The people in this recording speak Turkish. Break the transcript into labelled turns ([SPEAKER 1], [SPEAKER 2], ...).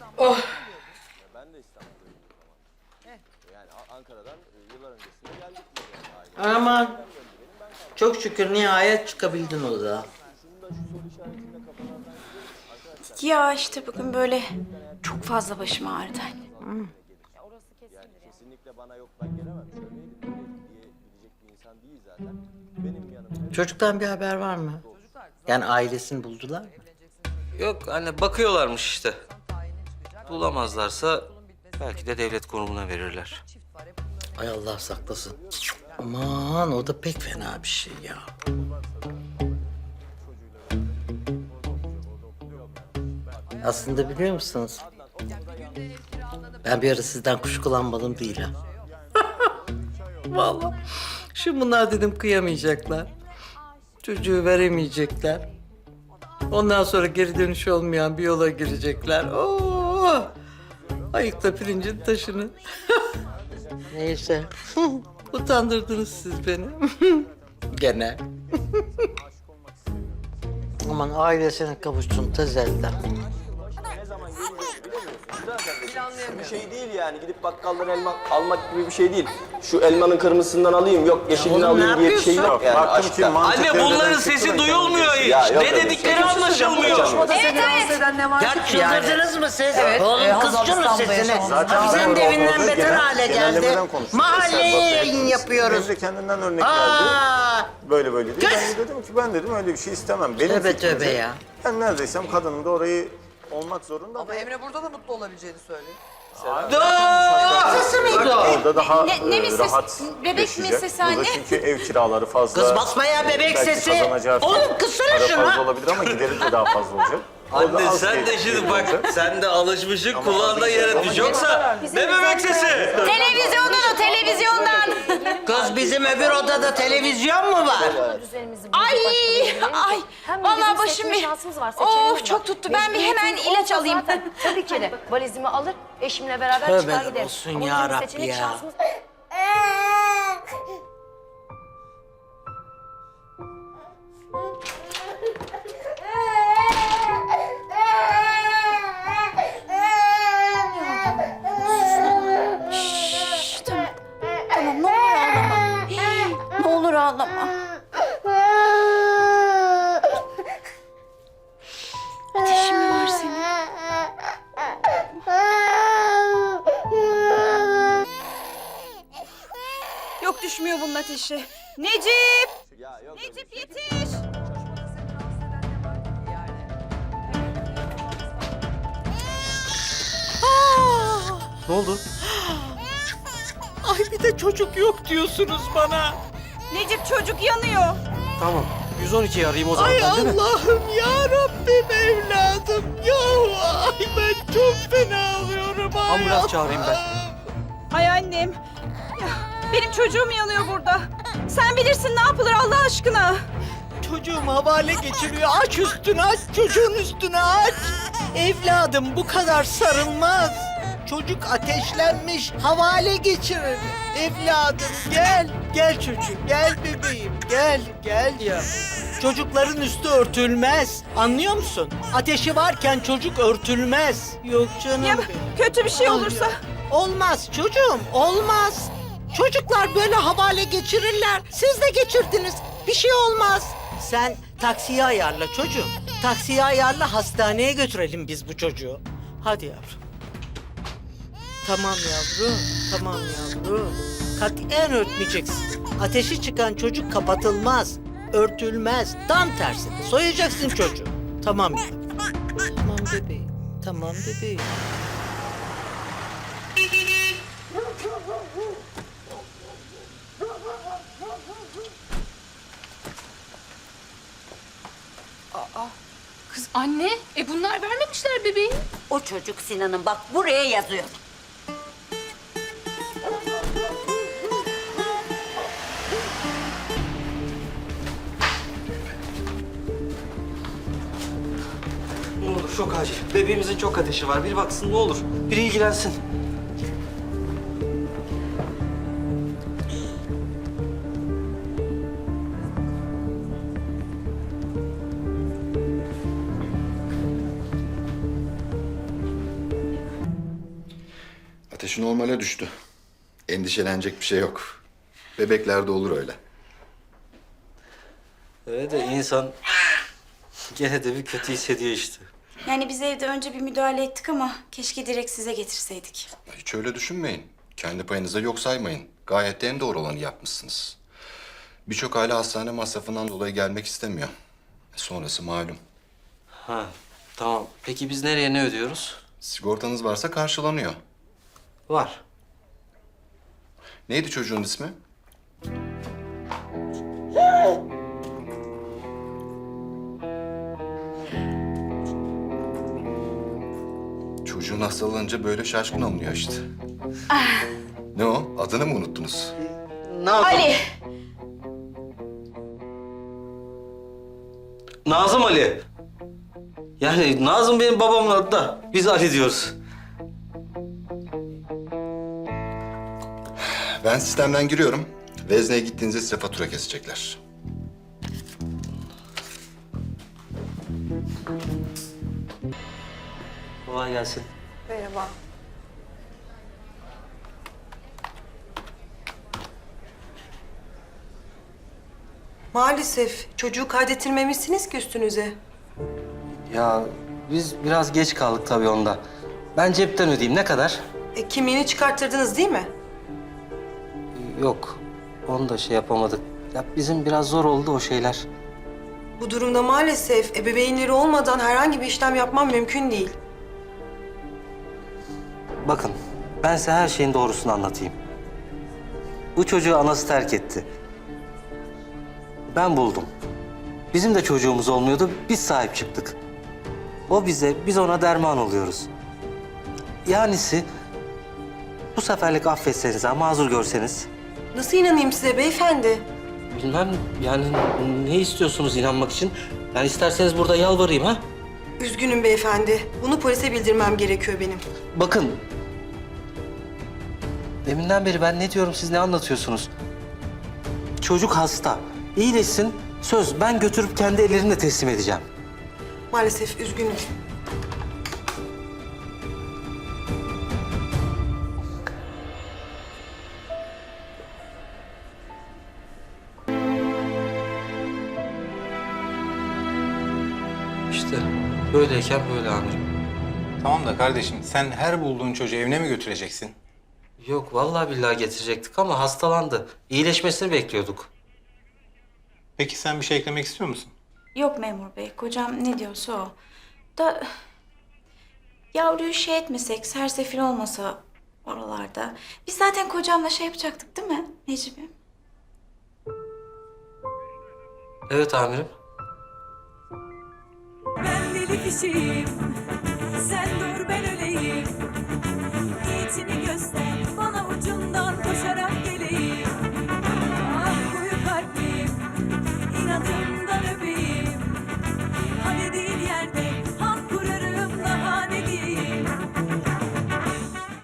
[SPEAKER 1] Oh.
[SPEAKER 2] Ben de İstanbul'dayım o zaman. Yani Ankara'dan yıllar öncesinde geldik biz yani aile.
[SPEAKER 1] Aman. Çok şükür nihayet çıkabildin odadan.
[SPEAKER 2] Şunu da şu soru işaretinde kafalardan gidelim. Arkadaşlar
[SPEAKER 3] Ya işte bugün böyle çok fazla başım ağrıdı.
[SPEAKER 2] yani kesinlikle bana yok ben gelemem. Şöyleydi böyleydi diyebilecek bir insan değil zaten. Benim yanımda
[SPEAKER 1] Çocuktan bir haber var mı? Yani ailesini buldular mı?
[SPEAKER 4] Yok anne bakıyorlarmış işte. Bulamazlarsa belki de devlet kurumuna verirler.
[SPEAKER 1] Ay Allah saklasın. Aman o da pek fena bir şey ya. Aslında biliyor musunuz? Ben bir ara sizden kuşkulanmadım değil ha. Vallahi. Şimdi bunlar dedim kıyamayacaklar. Çocuğu veremeyecekler. Ondan sonra geri dönüş olmayan bir yola girecekler. Oo! Ayıkla pirincin taşını. Neyse. Utandırdınız siz beni. Gene. Aman ailesine kavuşsun tezelden.
[SPEAKER 2] ne zaman geleceğini bilemiyorsun. Zaten bir şey değil yani. Gidip bakkaldan elma almak gibi bir şey değil. Şu elmanın kırmızısından alayım, yok yeşilini
[SPEAKER 1] oğlum, ne
[SPEAKER 2] alayım diye bir şey
[SPEAKER 1] yapıyorsun?
[SPEAKER 2] yok yani aşkta.
[SPEAKER 4] Anne bunların sesi duyulmuyor hiç.
[SPEAKER 2] Ya, yok
[SPEAKER 4] Ne
[SPEAKER 2] öyle
[SPEAKER 4] dedikleri
[SPEAKER 2] şey.
[SPEAKER 4] anlaşılmıyor.
[SPEAKER 1] Ya çıldırdınız mı siz? Oğlum kızcı mı sesini?
[SPEAKER 5] Zaten
[SPEAKER 1] Sen
[SPEAKER 5] ben
[SPEAKER 1] de evinden
[SPEAKER 5] orada
[SPEAKER 1] beter hale geldi.
[SPEAKER 5] genellemeden konuştum.
[SPEAKER 1] Mahalleye
[SPEAKER 5] Mesela
[SPEAKER 1] yayın yapıyoruz.
[SPEAKER 5] Emre kendinden örnek verdi.
[SPEAKER 1] Aa!
[SPEAKER 5] Böyle böyle değil. Ben de dedim ki ben dedim öyle bir şey istemem. Benim
[SPEAKER 1] Tövbe
[SPEAKER 5] fikrimce
[SPEAKER 1] tövbe ya.
[SPEAKER 5] Ben neredeysem kadının da orayı olmak zorunda.
[SPEAKER 6] Ama Emre burada da mutlu olabileceğini söylüyor.
[SPEAKER 1] Sesi miydi o?
[SPEAKER 5] Orada daha
[SPEAKER 3] Ne mi ses-
[SPEAKER 5] rahat
[SPEAKER 3] bebek mi
[SPEAKER 5] yaşayacak.
[SPEAKER 3] sesi
[SPEAKER 5] Burada
[SPEAKER 3] anne?
[SPEAKER 5] çünkü ev kiraları fazla.
[SPEAKER 1] Kız basmaya bebek
[SPEAKER 5] Belki
[SPEAKER 1] sesi.
[SPEAKER 5] kazanacağı
[SPEAKER 1] Oğlum kızsana
[SPEAKER 5] para
[SPEAKER 1] şunu.
[SPEAKER 5] fazla olabilir ama gideri de daha fazla olacak. Orada
[SPEAKER 4] Anne
[SPEAKER 5] az
[SPEAKER 4] sen de
[SPEAKER 5] gelir
[SPEAKER 4] şimdi bak
[SPEAKER 5] olacak.
[SPEAKER 4] sen de alışmışsın kulağında yere düş. Yoksa ne bebek sesi?
[SPEAKER 3] Televizyondan o televizyondan.
[SPEAKER 1] Kız bizim öbür odada televizyon mu var?
[SPEAKER 3] Ay ay. Vallahi başım bir.
[SPEAKER 7] şansımız var. Seçeneğimiz
[SPEAKER 3] Of çok
[SPEAKER 7] var.
[SPEAKER 3] tuttu. Ben bir hemen
[SPEAKER 7] Mecburiyetim
[SPEAKER 3] ilaç
[SPEAKER 7] olsa
[SPEAKER 3] alayım.
[SPEAKER 7] zaten tabii ki de valizimi alır, eşimle beraber
[SPEAKER 1] Tövbe
[SPEAKER 7] çıkar giderim.
[SPEAKER 1] olsun
[SPEAKER 7] Ama
[SPEAKER 1] ya
[SPEAKER 7] bizim
[SPEAKER 1] Rabbi
[SPEAKER 7] seçenek
[SPEAKER 1] ya.
[SPEAKER 7] şansımız-
[SPEAKER 3] Şşş, tamam. Tamam ne olur ağlama. Ne olur ağlama. Ateşin mi var senin? Yok düşmüyor bunun ateşi. Necip!
[SPEAKER 2] Ya yok öyle bir
[SPEAKER 3] Necip
[SPEAKER 2] şey.
[SPEAKER 3] yetiş!
[SPEAKER 4] Ne oldu?
[SPEAKER 1] Ay bir de çocuk yok diyorsunuz bana.
[SPEAKER 3] Necip çocuk yanıyor.
[SPEAKER 4] Tamam 112'yi arayayım o zaman
[SPEAKER 1] Ay
[SPEAKER 4] ben değil mi?
[SPEAKER 1] Allah'ım ya Rabbim evladım. Ya ay ben çok fena alıyorum. Ay
[SPEAKER 4] Ambulans çağırayım ben.
[SPEAKER 3] Ay annem. Ya, benim çocuğum yanıyor burada. Sen bilirsin ne yapılır Allah aşkına.
[SPEAKER 1] Çocuğum havale geçiriyor. Aç üstünü aç. Çocuğun üstünü aç. Evladım bu kadar sarılmaz. Çocuk ateşlenmiş. Havale geçirir. Evladım gel. Gel çocuğum. Gel bebeğim. Gel. Gel ya. Çocukların üstü örtülmez. Anlıyor musun? Ateşi varken çocuk örtülmez. Yok canım
[SPEAKER 3] Ya
[SPEAKER 1] benim.
[SPEAKER 3] kötü bir şey olursa.
[SPEAKER 1] Olmaz çocuğum, olmaz. Çocuklar böyle havale geçirirler. Siz de geçirdiniz. Bir şey olmaz. Sen taksiye ayarla çocuğum. Taksiye ayarla, hastaneye götürelim biz bu çocuğu. Hadi yavrum. Tamam yavrum, tamam yavrum. Katiyen örtmeyeceksin. Ateşi çıkan çocuk kapatılmaz, örtülmez. Tam tersine soyacaksın çocuğu. Tamam yavrum. Tamam bebeğim, tamam bebeğim.
[SPEAKER 8] Kız anne, bunlar vermemişler bebeği.
[SPEAKER 9] O çocuk Sinan'ın bak buraya yazıyor.
[SPEAKER 4] Ne olur çok acil. Bebeğimizin çok ateşi var. Bir baksın ne olur. Biri ilgilensin.
[SPEAKER 10] Ateşi normale düştü. Endişelenecek bir şey yok. Bebeklerde olur öyle.
[SPEAKER 4] Öyle de insan gene de bir kötü hissediyor işte.
[SPEAKER 3] Yani biz evde önce bir müdahale ettik ama keşke direkt size getirseydik.
[SPEAKER 10] Hiç öyle düşünmeyin. Kendi payınıza yok saymayın. Gayet de en doğru olanı yapmışsınız. Birçok aile hastane masrafından dolayı gelmek istemiyor. Sonrası malum.
[SPEAKER 4] Ha, tamam. Peki biz nereye ne ödüyoruz?
[SPEAKER 10] Sigortanız varsa karşılanıyor.
[SPEAKER 4] Var.
[SPEAKER 10] Neydi çocuğun ismi? Çocuğun hastalanınca böyle şaşkın oluyor işte. Ne o? Adını mı unuttunuz?
[SPEAKER 3] Ali!
[SPEAKER 4] Nazım Ali. Yani Nazım benim babamın adı da biz Ali diyoruz.
[SPEAKER 10] Ben sistemden giriyorum. Vezne'ye gittiğinizde size fatura kesecekler.
[SPEAKER 4] Kolay gelsin.
[SPEAKER 6] Merhaba. Maalesef çocuğu kaydettirmemişsiniz ki üstünüze.
[SPEAKER 4] Ya biz biraz geç kaldık tabii onda. Ben cepten ödeyeyim. Ne kadar?
[SPEAKER 6] Kimliğini çıkarttırdınız değil mi?
[SPEAKER 4] Yok. Onu da şey yapamadık. Ya bizim biraz zor oldu o şeyler.
[SPEAKER 6] Bu durumda maalesef ebeveynleri olmadan herhangi bir işlem yapmam mümkün değil.
[SPEAKER 4] Bakın, ben size her şeyin doğrusunu anlatayım. Bu çocuğu anası terk etti. Ben buldum. Bizim de çocuğumuz olmuyordu, biz sahip çıktık. O bize, biz ona derman oluyoruz. Yanisi, bu seferlik affetseniz ha, mazur görseniz.
[SPEAKER 6] Nasıl inanayım size beyefendi?
[SPEAKER 4] Bilmem, yani ne istiyorsunuz inanmak için? Yani isterseniz burada yalvarayım ha?
[SPEAKER 6] Üzgünüm beyefendi. Bunu polise bildirmem gerekiyor benim.
[SPEAKER 4] Bakın. Deminden beri ben ne diyorum, siz ne anlatıyorsunuz? Çocuk hasta. İyileşsin. Söz, ben götürüp kendi ellerimle teslim edeceğim.
[SPEAKER 6] Maalesef üzgünüm.
[SPEAKER 4] İşte böyleyken böyle amirim.
[SPEAKER 11] Tamam da kardeşim sen her bulduğun çocuğu evine mi götüreceksin?
[SPEAKER 4] Yok, vallahi billahi getirecektik ama hastalandı. İyileşmesini bekliyorduk.
[SPEAKER 11] Peki sen bir şey eklemek istiyor musun?
[SPEAKER 3] Yok memur bey, kocam ne diyorsa o. Da yavruyu şey etmesek, sersefil olmasa oralarda. Biz zaten kocamla şey yapacaktık değil mi Necip'im?
[SPEAKER 4] Evet amirim.
[SPEAKER 3] Ben deli kişiyim, sen